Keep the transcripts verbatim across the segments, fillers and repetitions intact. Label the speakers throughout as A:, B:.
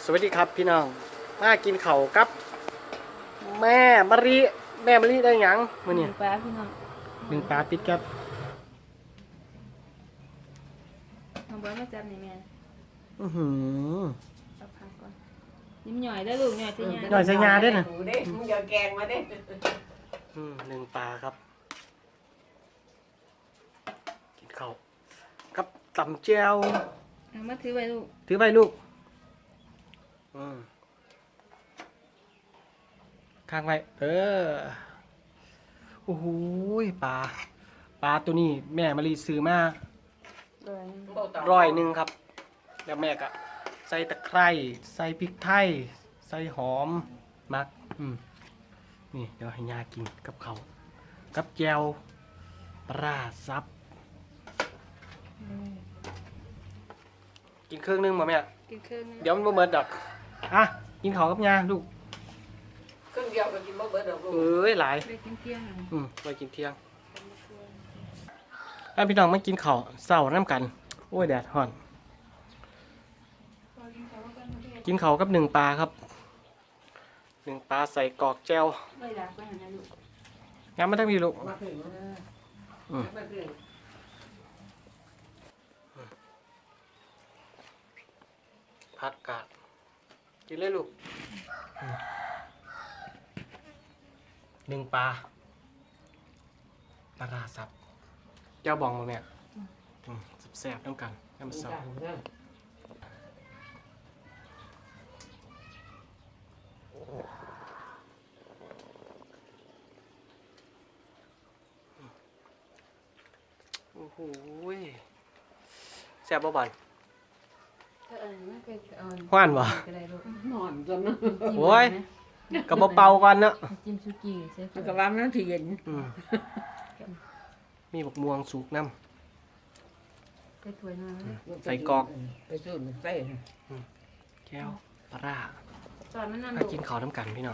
A: วัสดีครับพี่น้องมากินข้าวกับแม่มะลิแม่มะลิได้หยังมื้อนี้
B: หนึ่งปลาพี่น้อง
A: หนึ่งปลาติดกับ
B: น้องบอยมาจับนี่แม่
A: อื้อหือ
B: เอาพักก่อนยิ้มหน่อยได้อลูกหน่อยสิ
A: หน่อยใส่งาด้วยนะ
C: หมูเด้มึงอย่าแกงมาเด้
A: อืมหนึ่งปลาครับกินข้าวกับตำแจ่ว
B: เอามาถือไว้ลูก
A: ถือไปลูกอืมข้างไว้เออโอ้โหปลาปลาตัวนี้แม่มะลิซื้อมา
B: เลย
A: ร้อยหนึ่งครับ แล้วแม่ก็ใส่ตะไคร้ใส่พริกไทย ใส่หอมมักอืมนี่เดี๋ยวให้ยากินกับเขาวกับแจวปลาซับ กินเครื่องนึงมาแม่
B: กินเครื่องนึง
A: เดี๋ยวมันบ่เหมือนดอกอ่ะกินข้าวกับยาลูก
C: เครื่องเดียวก็กินบ่เบิดดอกลูก
A: เอ้ยหลาย
B: ไปกินเที่ยงหน่อย
A: อืมไปกินเที่ยงแล้วพี่น้องมากินข้าวเศร้าน้ำกัน โอ้ยแดดฮ้อน กินข้าวกับหนึ่งปลาครับหนึ่งปลาใส่กรอกแจว
B: ไม่รักไปหานะลูก
A: งั้นมาทั้งพี่ลูก
C: มาถึงนะ
A: อืม
C: มาถึง
A: ผักกาดกินเลยลูกอืมหนึ่งปลาปลาร้าสับเจ้าบองมาแม่อืมแซ่บๆน้ำกันน้ำซอสโอ้โหแซ่บบ่บัน
B: ถ้าเอิญไม่เคยเอิญ
A: ฮ้อนบ่
B: ก็ได้ลูก
C: นอนจนนะ
A: โอ้ย กับบ่เป่ากันเนาะ
B: จิ้มซุกี้ใส่
C: มันก็ว่ามันสิเย็น
A: อืมมีบักม่วงสุกน้
B: ไปถ้วยหน่อยเลย
A: ใส่กรอก
C: ไปสูดใส่
A: ำแก้วปลาร้า
B: ตอนนั้นนั่น
A: มา
B: ลูก
A: กินข้าวน้ำกันพี่น้อง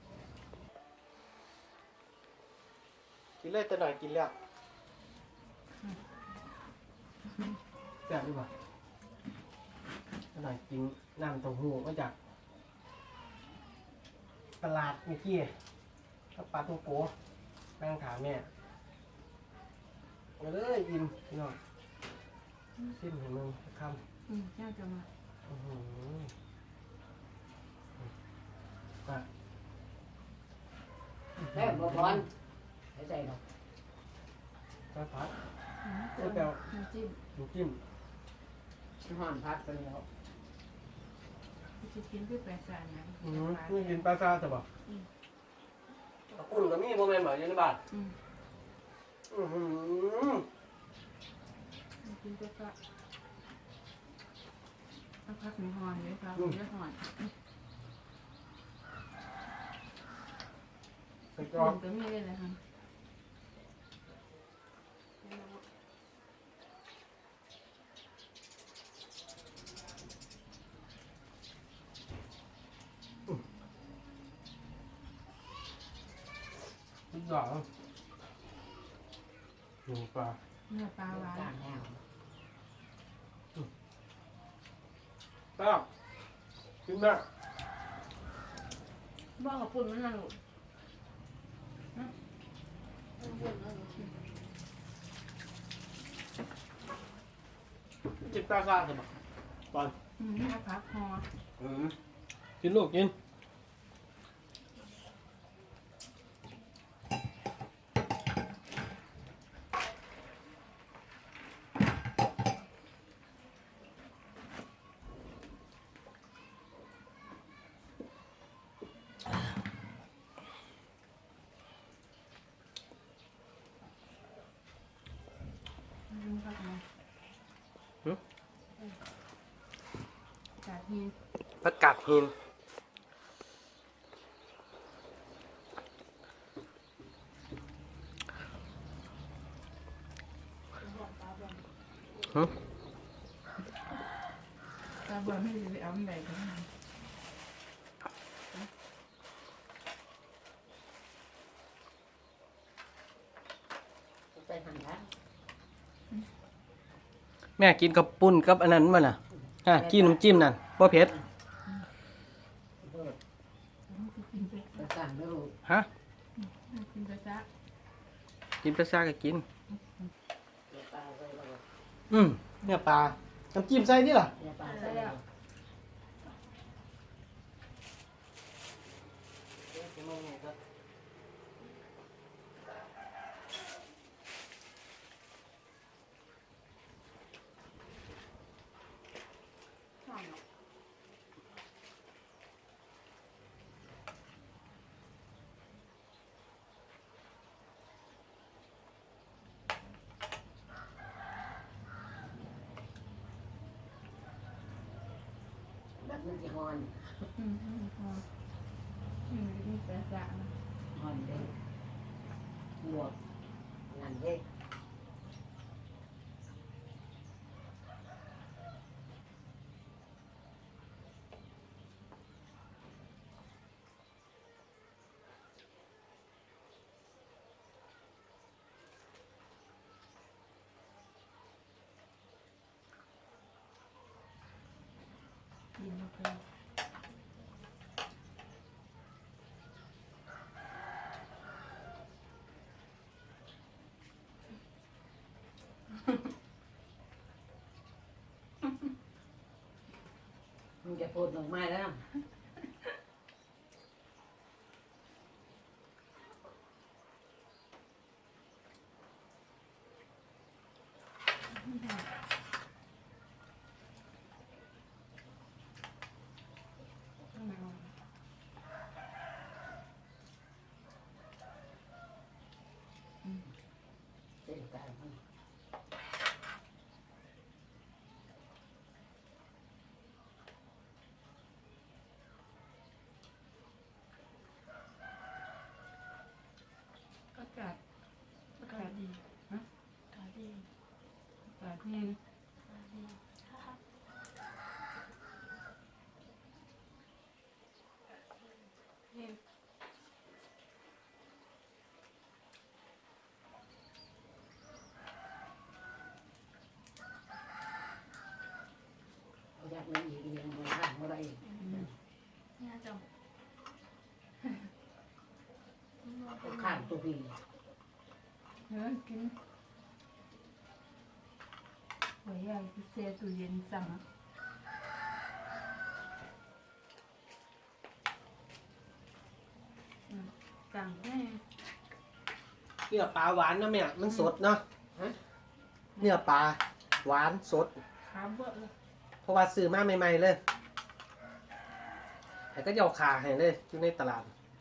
A: กินเลยแต่หน่อยกินแล้วแซ่บดีกว่าแต่หน่อยกินน้ำเต้าหู้มาจากตลาดเมื่อกี้กับปลาตัวโกนั่งถามแม่เอาเลยอิ่มพี่น้องซิมให้มึงคำ
B: อืมเจ้าจะมา
A: อื้อหือปลา
C: แม่บ่บอลใส่ใส่ดอก
A: ปลาผัด
B: อืม
A: ก๋วยเตี๋ยว
B: น้ำจิ้ม
A: น้ำจิ้ม
C: ห่อนพัดไปแล้ว
B: จะกินเพื่อแปลสารนะ
A: อืมนี่กินปลาซาจะบอกอุ่นกับมีโมเมนต์แบบนี้ในบ้าน
B: อืม
A: อือหือ
B: กินเพื่อก็เอาพักหนึ่งหอนเลยครับเยอะหอน
A: ใส่ก
B: ก
A: ร
B: ร
A: อ
B: อบ บก็มีเลยนะคะ
A: ทุกอย่างหนูปลา
B: เนื้อปลาหวาน
C: ต่างแล้ว
A: ปลากินได้
B: บ้ากับปุ่นมันน่ะลูกนะเอาปุ่นเอาลูก
A: กินปลาซาจะบอกก่อน
B: อืมเอาพักหอ
A: อืมกินลูกกิน
B: จากที่
A: ผักกาดหินฮึ
B: ตาบอดไม่ได้ไปเอาอันใดกัน
C: ใส่หั่นแล้ว
A: แม่กินกับปุ้นกับอันนั้นมาน่ะอ่ะกินน้ำจิ้มนั่นบ่เผ็ด
C: สั่งไม่รู้
A: ฮะ
B: กินไปซะ
A: กินปลาซ่าก็กิน
C: เนื้อปลาใส่แล้วก็
A: อืมเนี่ยปลาน้ำจิ้มใส่นี่ล่ะ
C: เนื้อปลาใส่แล้ว
B: หอมเนาะ
C: แบบมันจะฮอน
B: อืมอืมหอมอืมกินไปซะนะ
C: ฮอนเด้ลวกนั่นเด้
B: กินเข้าไป
C: มันจะพูดออกมาแล้ว
B: ข้างในเอา
C: เส้นกลางมัน
B: อากาศ
D: อากาศดี
B: ฮะ
D: อากาศดี
B: อากาศเย็น
D: อากาศดีฮ่าฮ่า
B: เย็น
C: เอาอยากมันอีกอย่างมันข้างอะไรอีก
D: เนี่ยจัง
C: เอาข้างตัวพี่
B: เฮ้ยกินหัวใหญ่พิเศษตู้เย็นสั่งอะอืมสั่งแค่
A: เนื้อปลาหวานนะแม่มันสดเนาะ
C: ฮะ
A: เนื้อปลาหวานสด
B: ขาเบื่อเลย
A: เพราะว่าซื้อมาใหม่ๆเลยแต่ก็ยอาขาให้เลยอยู่ในตลาด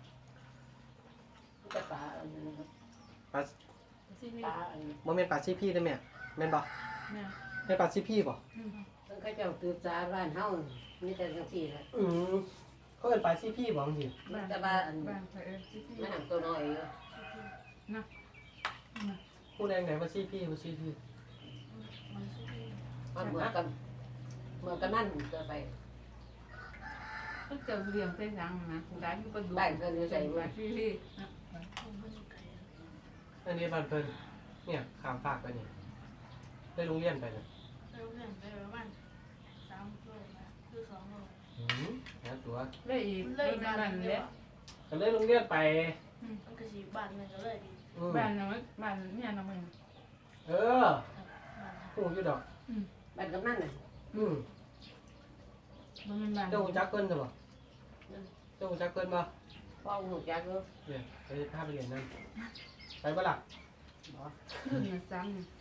C: จะปลาอันนั้นนะครับ
A: ปลา
B: ซีรี
C: ปลา
B: ส์
C: อัน
A: โมเมนปลาซีพี่ได้ไหมแม่นบ่
B: แม่
A: แม่นปลาซีพี่บ่
B: อืม
C: มันก็เจ้าตือจาบ้านเฮามีแต่จังซี่แหละ
A: อืมเขาเป็นปลาซีพี่บ่จริง
C: มันแต่ว่าอัน
B: บ้านเธอเออซีรี
C: มัน
B: ส์
C: หนังตัวน้อยอยู่
B: นะนะ
A: พูดแรงไหนปลาซีพี่ปลาซีพี่
D: มันชื่อ
C: มันเหมือนกันเหมือนกันนั่นจะไป
B: ก็เจอเรียงเส้นทางนะร้านอยู่ก็ดู
C: ได้เพิ่นอยู่ใส่บ่
B: บ้านซีรีส์นะ
D: คงเป็นไก่
A: อันนี้บ้านเพิ่นเนี่ยข้ามฝากไปนี่ได้โรงเรียนไปเลย
D: เร็วเรื่องไปประมาณสามโลนะคือสองโล
A: อืมแล้วตัว
B: เลยอีก
D: เลย
B: บ้า
D: บ้าน น
B: เล็
D: เล็
B: ก
D: ก
A: ก็เลยโรงเรียนไป
D: มันก็สีบ้านมันก็เลยดี
A: อืม
B: บ้านน้อยบ้านเนี่ยน้องมัน
A: เออ
D: บ้าน
A: หูอยู่ดอก
C: บ้านกำนันน่ะ
A: อืม
B: มันเป็นบ้าน
A: เจ้าหูจักเพิ่นใช่บ่เจ้าหูจักเพิ่นบ่
C: พ่อหูจักอยู่
A: เนี่ยไปพาไปเรียนนั่นไปบ่ล่ะ
C: บ่
B: ขึ้นมาซ้ำเนี่ย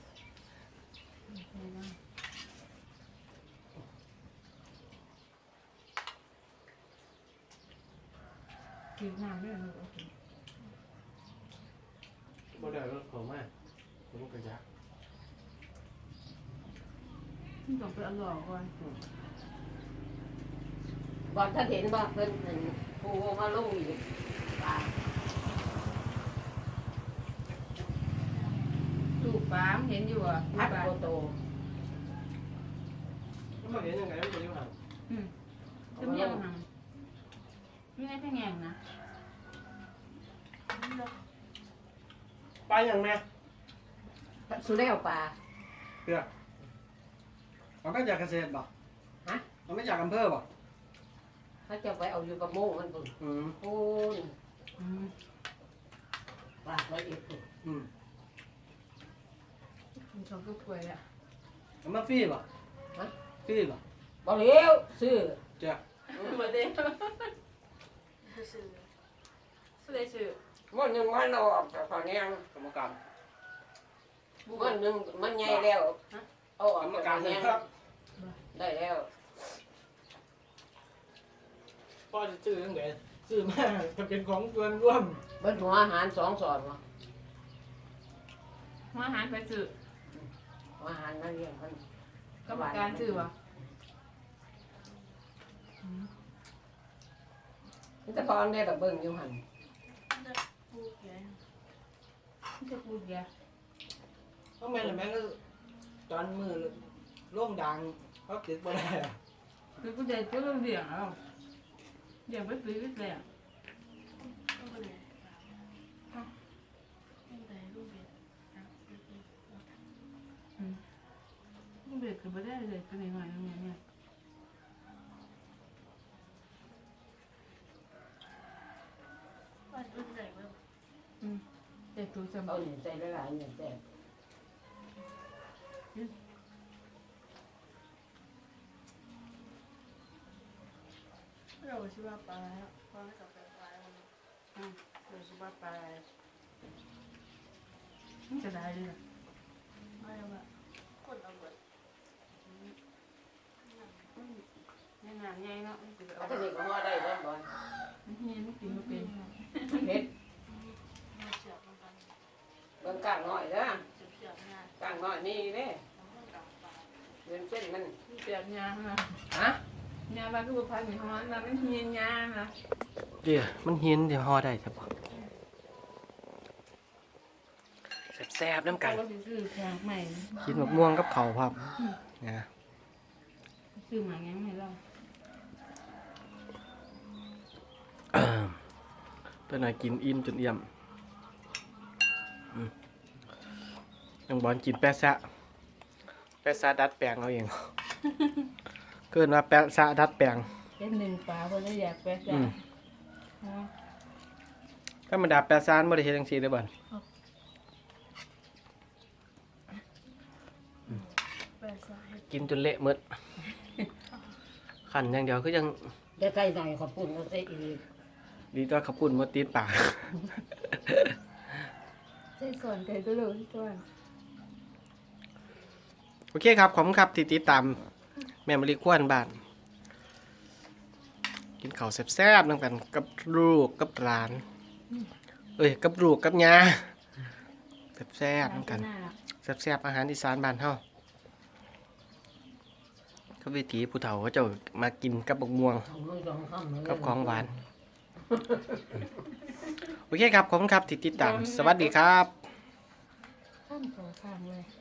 B: กินน้ำด้วยนะ
A: บ่ได้รถเขามาผมก็จัก
B: ต้องไปอร่อยก่อน
C: บ่ถ้าเห็นบ่เพิ่นอันผู้มาลงอีกปลา
B: ลูกปลามเห็นอยู่อ่ะ
C: พัด
B: ปลา
C: โตโต
A: แล้วมาเรียนยังไงมันจะอยู่ห่าง
B: อืมจะมีอะไรหังมีอะไรแพงแงงนะ
A: ไปยังแม่
C: สุแล้วปลา
A: เพื่อเอามาจากเกษตรบ่
C: ฮะ
A: เอามาจากอำเภอบ่
C: เขาจะไปเอาอยู่กับโม่มันปุ่น
A: อืม
C: ปูน
B: อืม
C: ปากไว้อีกปุ่น
A: อืม
B: มันชอบทุกถ้วยอ่ะ
A: เอามาฟรีป่ะฟรีป่ะ
C: บ่เลี้ยวซื้อ
A: จ้ะ
B: มาเด้ซื้อซื้อได้ซื้อ
C: มันหนึ่งมันออกจากตอนนี้
A: กรรมการ
C: มันหนึ่งมันใหญ่แล้วเอาออก
A: กรรม
C: จาก
A: การ
C: ตอน
A: เล
C: นี้
A: ยครับ
C: ได้แล้ว
A: พ่อจะซื้อตั้งแต่ซื้อมาจะเป็นของส่วนร่วม
C: เบิ้ลหัวอาหารสองสอนวะ
B: มาอาหารไปซื้อ
C: หัวอาหารนั่นเรียกมัน
B: กรรมการซื้อวะ
C: มันจะพอนได้แต่เบิ้งอยู่หัน
D: พูดไง
B: ไม่ใช่พูดแก
A: เพราะแม่ละแม่ก็ตอนมือร่วงดังเขาติดบ่ได้อะ
B: คือผู้ใหญ่ก็ต้องเลี้ยงเอาเลี้ยงไปปีไปแล้
D: ก็เลยตั้งแต่ลูกเบียดนะ
B: ลูกเด็กก็ไม่ได้เลยเป็นหน่อยๆอย่างเงี้ย
D: ว่ารุ่นใหญ่เว้ย
B: เด็กตัวจำ
C: เอาหนึ่งใส่หลายๆหนึ่งใส่
D: เราชื่อว่าปลาแล้วปลากับปลาปลาเราชื่อว่าปลา
B: มันจะได้เลย
D: ไม่ว่าคนเอาเบิด
B: ง่ายง่ายง่ายเนาะมันจะ
C: ถ้า
B: เอา
C: จะนี่ก็หัวได้เบิ้ลบอล
B: มันเฮียนมันกินมันเป็น
C: เผ็ด
D: มาเสียบมันกัน
C: เบิ้งก้างน้อยนะ
D: เสียบเสียบงาน
C: ก้างน้อยนี่เด้
D: ทำให้กับปลา
C: เงินเส้นมัน
B: เปียกยาฮะ
C: ฮะ
B: ยาบ้านก็พันมีฮ้อนนะมันเฮียนยาฮะ
A: เดี๋ยวมันเห็นเดี๋ยวห่อได้ใช่ปะแซ่บๆน้ำกัน
B: เราซื้อแพงใหม่
A: กินมะม่วงกับเขาวครับนะ
B: ซื้อมาแง้มให้เรา
A: ตัวไหนกินอิ่มจนเอี่ยมอืมยังบอลกินแปะซะแปะซะดัดแปลงเอาเอง เกินว่าแปะซะดัดแปลง
B: เป็นหนึ่งปลาเพราะเราอยากแปะ
A: อื
B: จ้ะ
A: มธรรมดาแปะซานบ่ได้เฮ็ดจังซี่เด้อบ่
D: ปลาสาย
A: กินจนเละหมดขันอย่างเดียวคือยัง
C: ได้ใส่หน่อยขอบคุณก็ใส่อีก
A: ดีตัวขับปุ่นบ่ติดปาก
B: ใส่ส่วนไก่ตัวเล็กส่วน
A: โอเคครับ ขอบคุณครับที่ติดตามแม่มะลิควนบ้าน กินข้าวแซ่บๆนำกันกับลูกกับหลาน เอ้ยกับลูกกับยาแซ่บๆนำกันแซ่บๆอาหารอีสานบ้านเฮาก็วิถีผู้เฒ่าเขาเจ้ามากินกับบักม่วง
C: ทำมือสองข้างเลย
A: กับของหวาน โอเคครับ ขอบคุณครับที่ติดตาม สวัสดีครับ
B: ข้ามสองข้างเลย